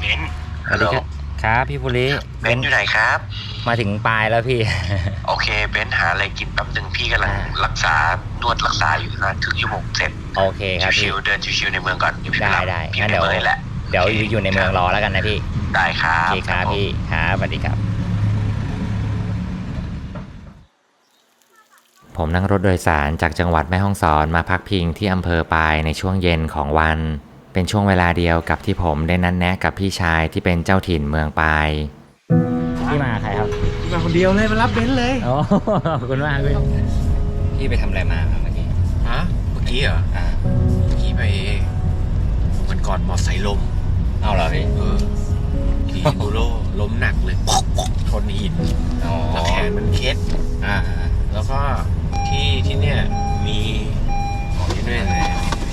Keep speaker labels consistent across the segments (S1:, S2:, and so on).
S1: นซ์
S2: สวัสดีครับครับพี่ภูริ
S1: เบนซ์อยู่ไหนครับ
S2: มาถึงปลายแล้วพี่
S1: โอเคเบนซ์หาอะไรกินแป๊บหนึ่งพี่กำลังรักษานวดรักษาอยู่นะครึ่งชั่วโมงเสร็จ
S2: โอเคครับพี่
S1: ชิวๆเดินชิวๆในเมืองก่อน
S2: ได้
S1: พี่
S2: งั้น
S1: ในเมืองเลยแหละ
S2: เดี๋ยวอยู่ในเมืองรอแล้วกันนะพี่
S1: ได้ครับ
S2: โอเคครับพี่ครับสวัสดีครับผมนั่งรถโดยสารจากจังหวัดแม่ฮ่องสอนมาพักพิงที่อำเภอปายในช่วงเย็นของวันเป็นช่วงเวลาเดียวกับที่ผมได้นัดแนะกับพี่ชายที่เป็นเจ้าถิ่นเมืองปายพี่มาใครครับ
S3: มาคนเดียวเลยมารับเบนซ์เลย
S2: โอ้ขอบคุณมากพี่ไปทำอะไรมาครับเมื่อกี้
S3: ฮะเมื่อกี้เหรอเมื่อกี้ไปวันก่อนมอไซค์ล้ม
S2: เอาเหรอพี่
S3: ขี่บูโร่ล้มหนักเลยชนหินแล้วแขนมันเคล็ดแล้วก็ที่เนี่ยมีของที่นี่เลย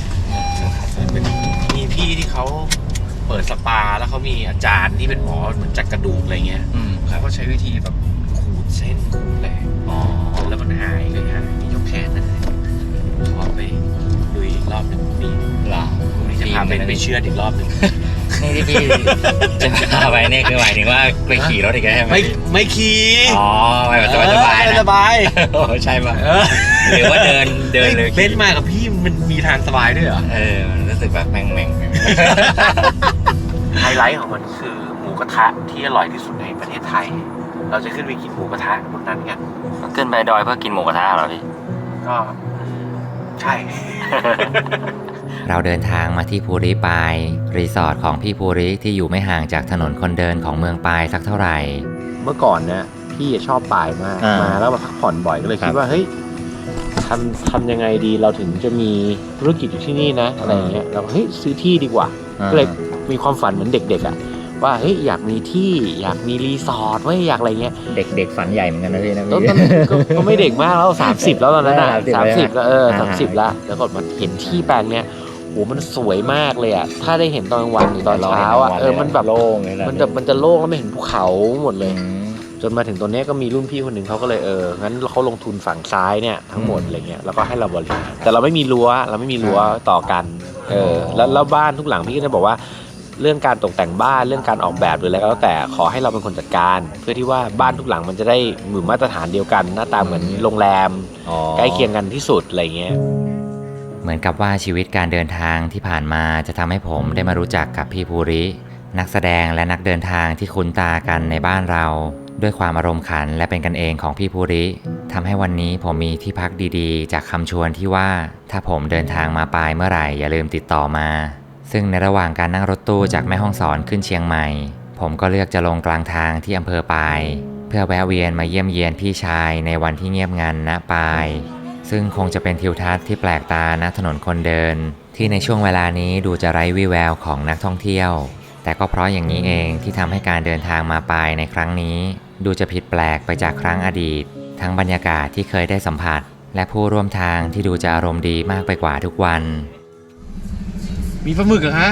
S3: มีพี่ที่เขาเปิดสปาแล้วเขามีอาจารย์ที่เป็นหมอเหมือนจัดกระดูกอะไรเงี้ยเขาก็ใช้วิธีแบบขูดเส้นขูดอะไรแล้วมันหายเลยฮะยกแขนนะขอไปดูอีกรอบหนึ่งนี่
S2: หรอ
S3: พรุ่งนี้จะพาไปเชื่ออีกรอบหนึ่ง
S2: นี่ที่พี่จะพาไปนี่คือหมายถึงว่าไปขี่รถอีกแล้วใช่ไหม
S3: ไม่ขี่
S2: ไปแบบสบาย
S3: สบาย
S2: ใช่ป่ะหรือว่าเดินเลย
S3: เบนซ์มากับพี่มันมีทางสบายด้วยเหรอ
S2: มันรู้สึกแบบแม่ง
S3: ไฮไลท์ของมันคือหมูกระทะที่อร่อยที่สุดในประเทศไทยเราจะขึ้นไปกินหมูกระทะบนนั้นกัน
S2: ขึ้นไปดอยเพื่อกินหมูกระทะเหรอพี่
S3: ก็ใช่
S2: เราเดินทางมาที่ภูริปายรีสอร์ทของพี่ภูริที่อยู่ไม่ห่างจากถนนคนเดินของเมืองปายสักเท่าไหร่
S3: เมื่อก่อนเนี่ยพี่ชอบปายมากมาแล้วมาพักผ่อนบ่อยก็เลยคิดว่าเฮ้ยทำยังไงดีเราถึงจะมีธุรกิจอยู่ที่นี่นะอะไรเงี้ยเราเฮ้ยซื้อที่ดีกว่าก็เลยมีความฝันเหมือนเด็กๆอ่ะว่าเฮ้ยอยากมีที่อยากมีรีสอร์ทไว้อยากอะไรเงี้ย
S2: เด็กฝันใหญ่เหมือนกันนะพี่นะ
S3: ก็ไม่เด็กมากแล้ว30แล้วตอนนั้นอ่ะ30แล้ว30แล้วก็มาเห็นที่แปลงเนี้ยโหมันสวยมากเลยอ่ะถ้าได้เห็นตอนกลางวันหรือตอนเช้าอ่ะมันแบบ
S2: โล่งเลยนะ
S3: มันจะโล่งแล้วไม่เห็นภูเขาหมดเลยจนมาถึงตรงนี้ก็มีรุ่นพี่คนหนึ่งเขาก็เลยงั้นเขาลงทุนฝั่งซ้ายเนี่ยทั้งหมดอะไรเงี้ยแล้วก็ให้เราบริหารแต่เราไม่มีรั้วต่อกันแล้วบ้านทุกหลังพี่ก็จะบอกว่าเรื่องการตกแต่งบ้านเรื่องการออกแบบหรืออะไรก็แล้วแต่ขอให้เราเป็นคนจัดการเพื่อที่ว่าบ้านทุกหลังมันจะได้เหมือนมาตรฐานเดียวกันหน้าตาเหมือนโรงแรมใกล้เคียงกันที่สุดอะไรเงี้ย
S2: เหมือนกับว่าชีวิตการเดินทางที่ผ่านมาจะทำให้ผมได้มารู้จักกับพี่ภูรินักแสดงและนักเดินทางที่คุ้นตากันในบ้านเราด้วยความอารมณ์ขันและเป็นกันเองของพี่ภูริทำให้วันนี้ผมมีที่พักดีๆจากคำชวนที่ว่าถ้าผมเดินทางมาปายเมื่อไหร่อย่าลืมติดต่อมาซึ่งในระหว่างการนั่งรถตู้จากแม่ฮ่องสอนขึ้นเชียงใหม่ผมก็เลือกจะลงกลางทางที่อำเภอปายเพื่อแวะเวียนมาเยี่ยมเยียนพี่ชายในวันที่เงียบงันณปายซึ่งคงจะเป็นทิวทัศน์ที่แปลกตาณถนนคนเดินที่ในช่วงเวลานี้ดูจะไร้วี่แววของนักท่องเที่ยวแต่ก็เพราะอย่างนี้เองที่ทำให้การเดินทางมาปายในครั้งนี้ดูจะผิดแปลกไปจากครั้งอดีตทั้งบรรยากาศที่เคยได้สัมผัสและผู้ร่วมทางที่ดูจะอารมณ์ดีมากไปกว่าทุกวัน
S3: มีปลาหมึกเหรอฮะ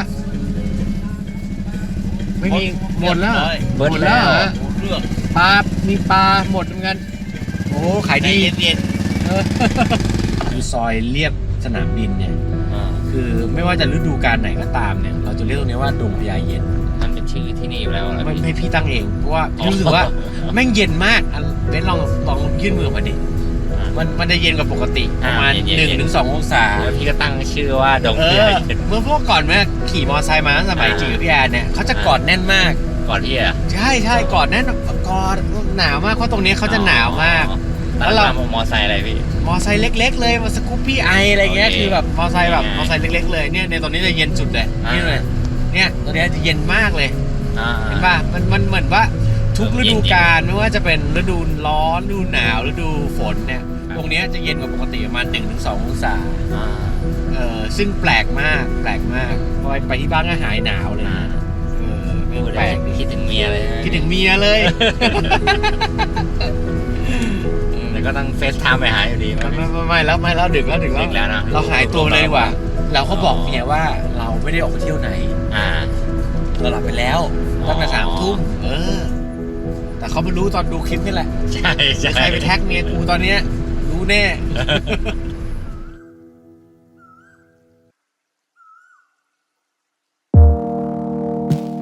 S3: ไม่มีหมดแล้วเหรอปลามีปลาหมดเหมือนกันโอ้ขายดีเย็นคือซอยเรียบสนามบินเนี่ยคือไม่ว่าจะฤดูกาลไหนก็ตามเนี่ยเราจะเรียกตรงนี้ว่าดงพญาเย็น
S2: มันเป็นชื่อที่นี่อยู่แล้ว
S3: ไม่พี่ตั้งเองเพราะว่ารู้สึกว่าแม่งเย็นมากเบนลองยื่นมือมาดิมันจะเย็นกว่าปกติประมาณ1-2 องศา
S2: แล้วพี่ก็ตั้งชื่อว่าดงพญาเย็น
S3: เมื่อพวกก่อนแม่ขี่มอไซค์มาสมัยจีกับพี่แอนเนี่ยเขาจะกอดแน่นมาก
S2: กอดพี่อ่ะ
S3: ใช่กอดแน่นกอดหนาวมากเพราะตรงนี้เขาจะหนาวมาก
S2: แล้วเรามอไซค์อะไรพี่
S3: มอไซค์เล็กๆเลยมาสกูปปี้ไออะไรเงี้ยคือแบบมอไซค์เล็กๆเลยเนี่ยในตรงนี้จะเย็นสุดเลยนี่เลยเนี่ยตรงนี้จะเย็นมากเลยเห็นป่ะมันเหมือนว่าทุกฤดูกาลไม่ว่าจะเป็นฤดูร้อนฤดูหนาวฤดูฝนเนี่ยตรงนี้จะเย็นกว่าปกติประมาณ1-2 องศาซึ่งแปลกมากพอไปที่บ้านก็หายหนาวเลย
S2: แปลกคิดถึงเมีย
S3: เลย
S2: แล้วก็ต้องเฟซไทม์ไปหาอยู่ดี
S3: ไม่แล้วดึกแล้ว
S2: นะ
S3: เราหายตัวเลยดีกว่าเราก็บอกเมียว่าเราไม่ได้ออกไปเที่ยวไหนเราหลับไปแล้วตั้งแต่3 ทุ่มแต่เขาไม่รู้ตอนดูคลิปนี่แหละ
S2: ใช่
S3: ใครไปแท็กเมียกูตอนเนี้ยรู้แน่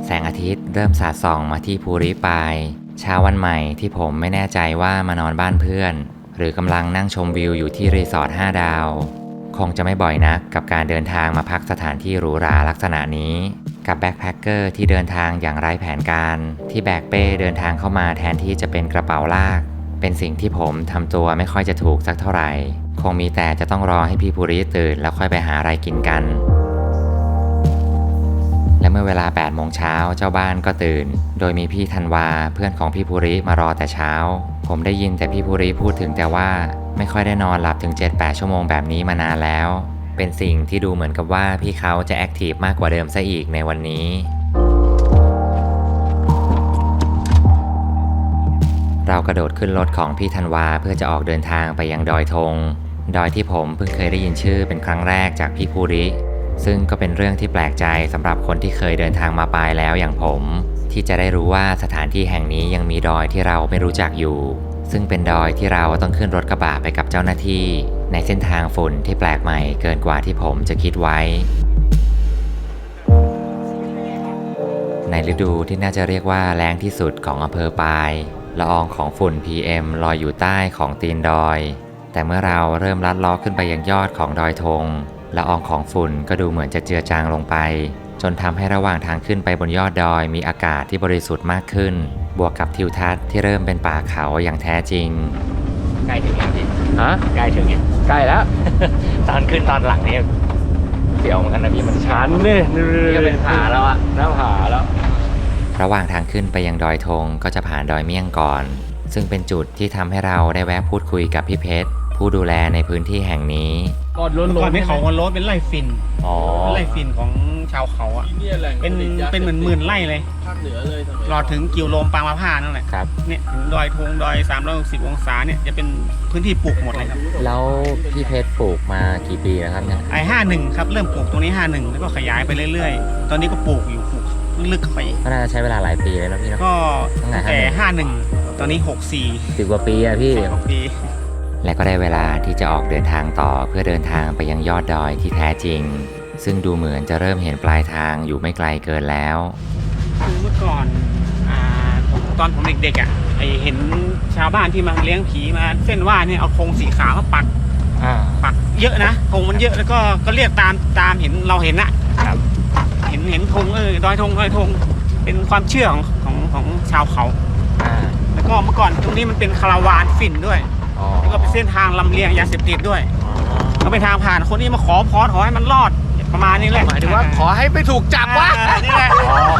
S2: แสงอาทิตย์เริ่มสาดส่องมาที่ภูริปายเช้าวันใหม่ที่ผมไม่แน่ใจว่ามานอนบ้านเพื่อนหรือกำลังนั่งชมวิวอยู่ที่รีสอร์ท5 ดาวคงจะไม่บ่อยนักกับการเดินทางมาพักสถานที่หรูหราลักษณะนี้กับแบ็คแพคเกอร์ที่เดินทางอย่างไร้แผนการที่แบกเป้เดินทางเข้ามาแทนที่จะเป็นกระเป๋าลากเป็นสิ่งที่ผมทำตัวไม่ค่อยจะถูกสักเท่าไหร่คงมีแต่จะต้องรอให้พี่ภูริตื่นแล้วค่อยไปหาอะไรกินกันและเมื่อเวลา 8 โมงเช้าเจ้าบ้านก็ตื่นโดยมีพี่ธันวาเพื่อนของพี่ภูริมารอแต่เช้าผมได้ยินแต่พี่ภูริพูดถึงแต่ว่าไม่ค่อยได้นอนหลับถึง 7-8 ชั่วโมงแบบนี้มานานแล้วเป็นสิ่งที่ดูเหมือนกับว่าพี่เขาจะแอคทีฟมากกว่าเดิมซะอีกในวันนี้เรากระโดดขึ้นรถของพี่ธันวาเพื่อจะออกเดินทางไปยังดอยธงดอยที่ผมเพิ่งเคยได้ยินชื่อเป็นครั้งแรกจากพี่ภูริซึ่งก็เป็นเรื่องที่แปลกใจสำหรับคนที่เคยเดินทางมาปลายแล้วอย่างผมที่จะได้รู้ว่าสถานที่แห่งนี้ยังมีดอยที่เราไม่รู้จักอยู่ซึ่งเป็นดอยที่เราต้องขึ้นรถกระบะไปกับเจ้าหน้าที่ในเส้นทางฝุ่นที่แปลกใหม่เกินกว่าที่ผมจะคิดไว้ในฤดูที่น่าจะเรียกว่าแล้งที่สุดของอำเภอปายละอองของฝุ่น PM ลอยอยู่ใต้ของตีนดอยแต่เมื่อเราเริ่มลัดล้อขึ้นไปยังยอดของดอยธงละอองของฝุ่นก็ดูเหมือนจะเจือจางลงไปจนทำให้ระหว่างทางขึ้นไปบนยอดดอยมีอากาศที่บริสุทธิ์มากขึ้นบวกกับทิวทัศน์ที่เริ่มเป็นป่าเขาอย่างแท้จริงใกล้ถึงยังพี่ฮะใกล้ถึงยังใกล้แล้ว ตอนขึ้นตอนหลังนี่เสียวเหมือนกันนะพี่มันชันนี่ก็เป็นผาแล้วอะหน้าผาแล้วระหว่างทางขึ้นไปยังดอยธงก็จะผ่านดอยเมี่ยงก่อนซึ่งเป็นจุดที่ทำให้เราได้แวะพูดคุยกับพี่เพชรผู้ดูแลในพื้นที่แห่งนี้
S4: ก่อนไม่เขาวันโรสเป็นไร่ฟินเป็นไร่ฟินของชาวเขาอ่ะเป็นเหมือนหมื่นไร่เลยภาคเหนือเลยรอถึงกิวโลมปางมะพร้าวนั่นแหละครับเนี่ยถึงดอยธงดอย360 องศาเนี่ยจะเป็นพื้นที่ปลูกหมดเลยครับ
S2: แล้วพี่เพชรปลูกมากี่ปีแล้วครับเนี่ย
S4: 51ครับเริ่มปลูกตรงนี้51แล้วก็ขยายไปเรื่อยๆตอนนี้ก็ปลูกอยู่ปลูกลึกเข้าไป
S2: ก็น่าจะใช้เวลาหลายปีเลยนะพี่เนาะ
S4: ก็แต่51ตอนนี้64
S2: 10 กว่าปีอะพี่
S4: 6 ปี
S2: และก็ได้เวลาที่จะออกเดินทางต่อเพื่อเดินทางไปยังยอดดอยที่แท้จริงซึ่งดูเหมือนจะเริ่มเห็นปลายทางอยู่ไม่ไกลเกินแล้ว
S4: คือเมื่อก่อนตอนผมเด็กๆอ่ะเห็นชาวบ้านที่มาเลี้ยงผีมาเส้นว่าเนี่ยเอาธงสีขาวมาปักเยอะนะธงมันเยอะแล้วก็เรียกตามเห็นเราเห็นนะครับเห็นธงดอยธงเป็นความเชื่อของชาวเขาแล้วก็เมื่อก่อนตรงนี้มันเป็นคาราวานฝิ่นด้วยแล้วก็เป็นเส้นทางลำเลียงยาเสพติดด้วยก็เป็นทางผ่านคนนี้มาขอพรขอให้มันรอดประมาณนี้แหละ
S3: หมายถึงว่าขอให้ไม่ถูกจับวะ
S4: นี่แหละ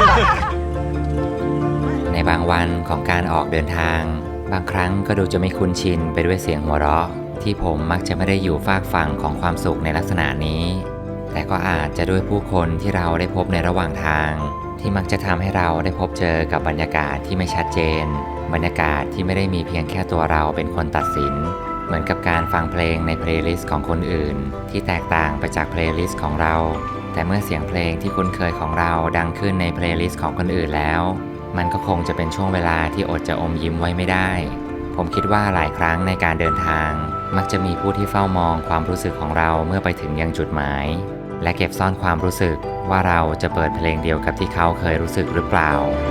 S2: ในบางวันของการออกเดินทางบางครั้งก็ดูจะไม่คุ้นชินไปด้วยเสียงหัวเราะที่ผมมักจะไม่ได้อยู่ฝากฝั่งของความสุขในลักษณะนี้แต่ก็อาจจะด้วยผู้คนที่เราได้พบในระหว่างทางที่มักจะทำให้เราได้พบเจอกับบรรยากาศที่ไม่ชัดเจนบรรยากาศที่ไม่ได้มีเพียงแค่ตัวเราเป็นคนตัดสินเหมือนกับการฟังเพลงในเพลย์ลิสต์ของคนอื่นที่แตกต่างไปจากเพลย์ลิสต์ของเราแต่เมื่อเสียงเพลงที่คุ้นเคยของเราดังขึ้นในเพลย์ลิสต์ของคนอื่นแล้วมันก็คงจะเป็นช่วงเวลาที่อดจะอมยิ้มไว้ไม่ได้ผมคิดว่าหลายครั้งในการเดินทางมักจะมีผู้ที่เฝ้ามองความรู้สึกของเราเมื่อไปถึงยังจุดหมายและเก็บซ่อนความรู้สึกว่าเราจะเปิดเพลงเดียวกับที่เขาเคยรู้สึกหรือเปล่า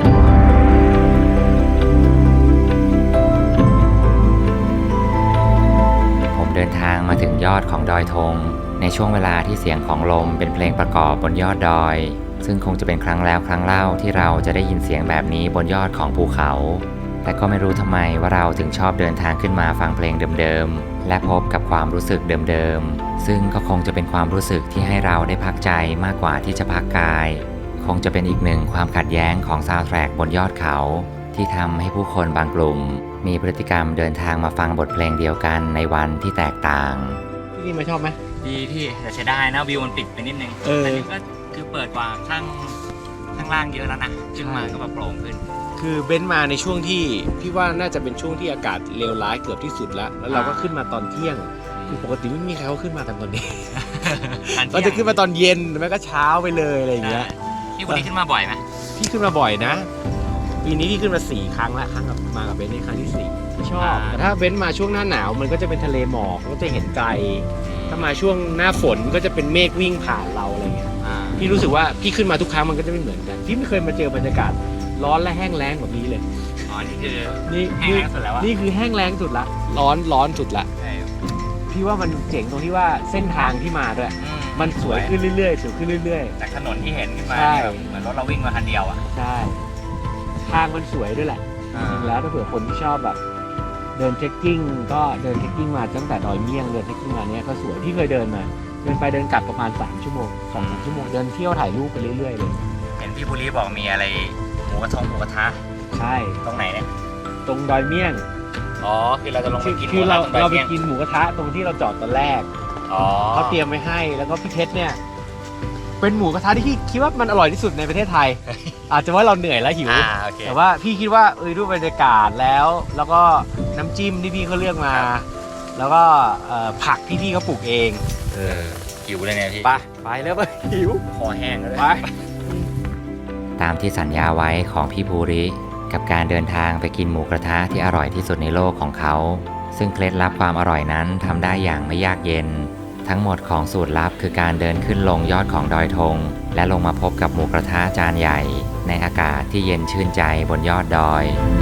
S2: เดินทางมาถึงยอดของดอยธงในช่วงเวลาที่เสียงของลมเป็นเพลงประกอบบนยอดดอยซึ่งคงจะเป็นครั้งแล้วครั้งเล่าที่เราจะได้ยินเสียงแบบนี้บนยอดของภูเขาแต่ก็ไม่รู้ทำไมว่าเราถึงชอบเดินทางขึ้นมาฟังเพลงเดิมๆและพบกับความรู้สึกเดิมๆซึ่งก็คงจะเป็นความรู้สึกที่ให้เราได้พักใจมากกว่าที่จะพักกายคงจะเป็นอีกหนึ่งความขัดแย้งของซาวด์แทร็กบนยอดเขาที่ทำให้ผู้คนบางกลุ่มมีพฤติกรรมเดินทางมาฟังบทเพลงเดียวกันในวันที่แตกต่าง
S3: ที่นี่มาชอบไหม
S4: ดีพี่แต่ใช้ได้นะวิวมันปิดไปนิดนึงอันนี้ก็คือเปิดกว่าข้างล่างเยอะแล้วนะขึ้นมาก็แบบโปร่งขึ้น
S3: คือเบนซ์มาในช่วงที่พี่ว่าน่าจะเป็นช่วงที่อากาศเลวร้ายเกือบที่สุดแล้วเราก็ขึ้นมาตอนเที่ยงคือปกติไม่มีใครเขาขึ้นมากันตอนนี้เราจะขึ้นมาตอนเย็นไม่ก็เช้าไปเลยอะไรอย่างเงี้ย
S4: พี่วันนี้ขึ้นมาบ่อยไหม
S3: พี่ขึ้นมาบ่อยนะปีนี้พี่ขึ้นมา4 ครั้งแล้วครั้งกับมากับเบนซ์ในครั้งที่4ชอบแต่ถ้าเบนซ์มาช่วงหน้าหนาวมันก็จะเป็นทะเลหมอกก็จะเห็นไกลถ้ามาช่วงหน้าฝนก็จะเป็นเมฆวิ่งผ่านเราอะไรเงี้ยพี่รู้สึกว่าพี่ขึ้นมาทุกครั้งมันก็จะไม่เหมือนกันพี่ไม่เคยมาเจอบรรยากาศร้อนและแห้งแล้งแบบนี้เลย
S4: อ๋อนี่คือ
S3: นี่
S4: แห้งแล้งสุดแล้วอะ
S3: นี่คือแห้งแล้งสุดละร้อนสุดละพี่ว่ามันเจ๋งตรงที่ว่าเส้นทางที่มาด้วยมันสวยขึ้นเรื่อยๆสวยขึ้นเรื่อยๆ
S4: จากถนนที่เห็นขึ้นมา
S3: ใช่
S4: แบบเหมือนรถเราวิ่งมาคันเดียวอ่ะ
S3: ใช่ทางมันสวยด้วยแหละจริงๆแล้วถ้าเผื่อคนที่ชอบแบบเดินเทรคกิ้งก็เดินเทรคกิ้งมาตั้งแต่ดอยเมี่ยงเดินเทรคกิ้งมาเนี้ยก็สวยที่เคยเดินมาเดินไปเดินกลับประมาณ3 ชั่วโมง2-3 ชั่วโมงเดินเที่ยวถ่ายรูปไปเรื่อยๆเลย
S4: เห็นพี่ภูริบอกมีอะไรหมูกระทะ
S3: ใช่
S4: ตรงไหนเนี่ย
S3: ตรงดอยเมี่ยง
S4: อ๋อคือเราจะลงไปกินหมู
S3: คือก
S4: ระ
S3: เรา
S4: ทะตรงดอย
S3: ไป
S4: เมี่ยง
S3: กินหมูกระทะตรงที่เราจอดตอนแรก
S4: อ๋อ
S3: เขาเตรียมไว้ให้แล้วก็พี่เพชรเนี่ยเป็นหมูกระทะที่พี่คิดว่ามันอร่อยที่สุดในประเทศไทย อาจจะว่าเราเหนื่อยแล้วหิว
S4: โอเค
S3: แต่ว่าพี่คิดว่าดูบรรยากาศแล้วก็น้ำจิ้มที่พี่เขาเลือกมา แล้วก็ผักที่พี่เขาปลูกเอง
S4: หิวเลยเนี่ยพี่
S3: ไปแล้วไปหิว
S4: คอแห้งเลย
S3: ไป
S2: ตามที่สัญญาไว้ของพี่ภูริกับการเดินทางไปกินหมูกระทะที่อร่อยที่สุดในโลกของเขา ซึ่งเคล็ดลับความอร่อยนั้นทำได้อย่างไม่ยากเย็น ทั้งหมดของสูตรลับคือการเดินขึ้นลงยอดของดอยธงและลงมาพบกับหมูกระทะจานใหญ่ ในอากาศที่เย็นชื่นใจบนยอดดอย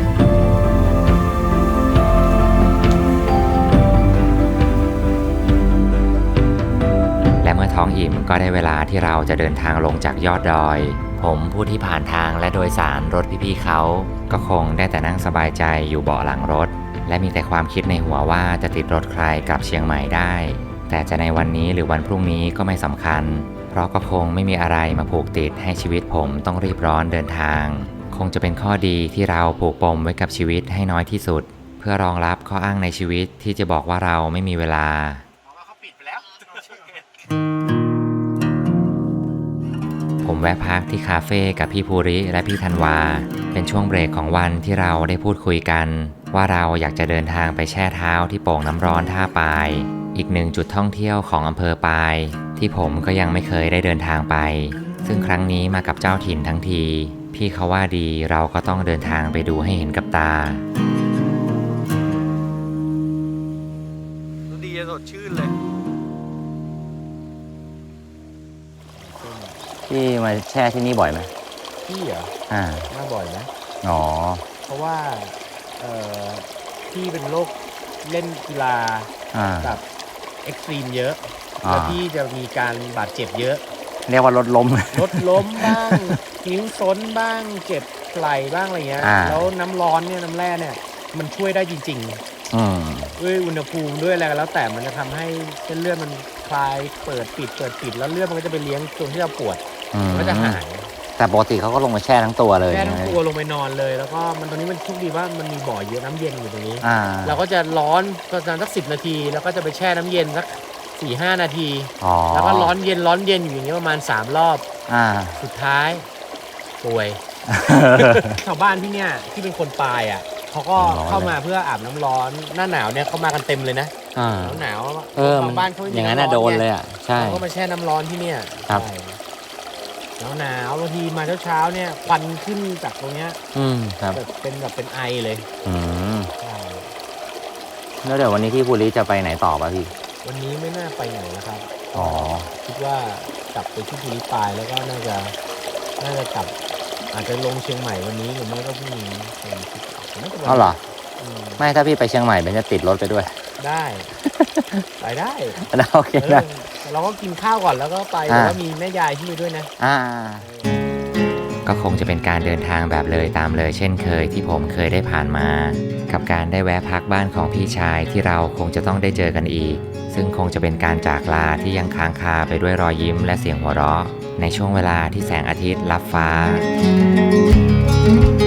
S2: และเมื่อท้องอิ่มก็ได้เวลาที่เราจะเดินทางลงจากยอดดอย ผมผู้ที่ผ่านทางและโดยสารรถพี่ๆเขาก็คงได้แต่นั่งสบายใจอยู่เบาะหลังรถ และมีแต่ความคิดในหัวว่าจะติดรถใครกลับเชียงใหม่ได้ แต่จะในวันนี้หรือวันพรุ่งนี้ก็ไม่สำคัญ เพราะก็คงไม่มีอะไรมาผูกติดให้ชีวิตผมต้องรีบร้อนเดินทาง คงจะเป็นข้อดีที่เราผูกปมไว้กับชีวิตให้น้อยที่สุด เพื่อรองรับข้ออ้างในชีวิตที่จะบอกว่าเราไม่มีเวลา
S4: เขาปิดไปแล้ว
S2: ผมแวะพักที่คาเฟ่กับพี่ภูริและพี่ธันวา เป็นช่วงเบรกของวันที่เราได้พูดคุยกัน ว่าเราอยากจะเดินทางไปแช่เท้าที่โป่งน้ำร้อนท่าปาย อีกหนึ่งจุดท่องเที่ยวของอำเภอปาย ที่ผมก็ยังไม่เคยได้เดินทางไป ซึ่งครั้งนี้มากับเจ้าถิ่นทั้งที พี่เขาว่าดีเราก็ต้องเดินทางไปดูให้เห็นกับตา
S3: ดีสดชื่นเลย
S5: พี่มาแช่ที่นี่บ่อยไหม
S3: พี่เหรอ มาบ่อยนะ
S5: อ๋อ
S3: เพราะว่าพี่เป็นโรคเล่นกีฬา แบบเอ็กซ์ตรีมเยอะแล้วพี่จะมีการบาดเจ็บเยอะ
S5: เรียกว่ารถล้ม
S3: รถล้มบ้าง นิ้วซ้นบ้างเจ็บไหล่บ้างอะไรเงี้ย แล้วน้ำร้อนเนี่ยน้ำแร่เนี่ยมันช่วยได้จริงๆด้วยอุณหภูมิด้วยอะไรก็แล้วแต่มันจะทำให้เส้นเลือดมันคลายเปิดปิดแล้วเลือดมันก็จะไปเลี้ยงตรงที่เราปวดมันก็จะหาย
S5: แต่ปกติเขาก็ลงมาแช่ทั้งตัวเลย
S3: แช่ทั้งตัวลงไปนอนเลย แล้วก็มันตรงนี้มันโชคดีว่ามันมีบ่อเยอะน้ำเย็นอยู่ตรงนี้ เราก็จะร้อนประมาณสัก10 นาที แล้วก็จะไปแช่น้ำเย็นสัก4-5 นาที แล้วก็ร้อนเย็นอยู่อย่างเงี้ยประมาณ3 รอบสุดท้ายป่วย ชาวบ้านที่เนี่ยที่เป็นคนปายอ่ะเขาก็เข้ามาเพื่ออาบน้ำร้อนหน้าหนาวเนี่ยเขามากันเต็มเลยนะหนาวชาวบ้านเขา
S5: อย่างนั้นน่ะโดนเลยอ่ะใช่
S3: เขาก็มาแช่น้ำร้อนที่เนี่ย
S5: ครับ
S3: หนาวบางทีมาเช้าเนี่ยควันขึ้นจากตรงเนี้ย
S5: ครับ
S3: แบบเป็นไอเลย ใช่
S5: แล้วเดี๋ยววันนี้พี่ภูริจะไปไหนต่อป่ะพี่
S3: วันนี้ไม่น่าไปไหนนะครับ
S5: อ๋อ
S3: คิดว่ากลับไปที่ภูริปายแล้วก็น่าจะกลับ อาจจะลงเชียงใหม่วันนี้หรือไม่ก็พรุ่งนี้น่าจะวันนี้
S5: เอาเหรอ
S3: ไม่
S5: ไม่ถ้าพี่ไปเชียงใหม่เป็นจะติดรถไปด้วย
S3: ได้ ไปได้
S5: โอเคนะ
S3: เราก็กินข้าวก่อนแล้วก็ไปแล้วก็มีแม่ยายที่ไปด้วยนะ
S2: ก็คงจะเป็นการเดินทางแบบเลยตามเลยเช่นเคยที่ผมเคยได้ผ่านมา กับการได้แวะพักบ้านของพี่ชายที่เราคงจะต้องได้เจอกันอีก ซึ่งคงจะเป็นการจากลาที่ยังค้างคาไปด้วยรอยยิ้มและเสียงหัวเราะในช่วงเวลาที่แสงอาทิตย์ลับฟ้า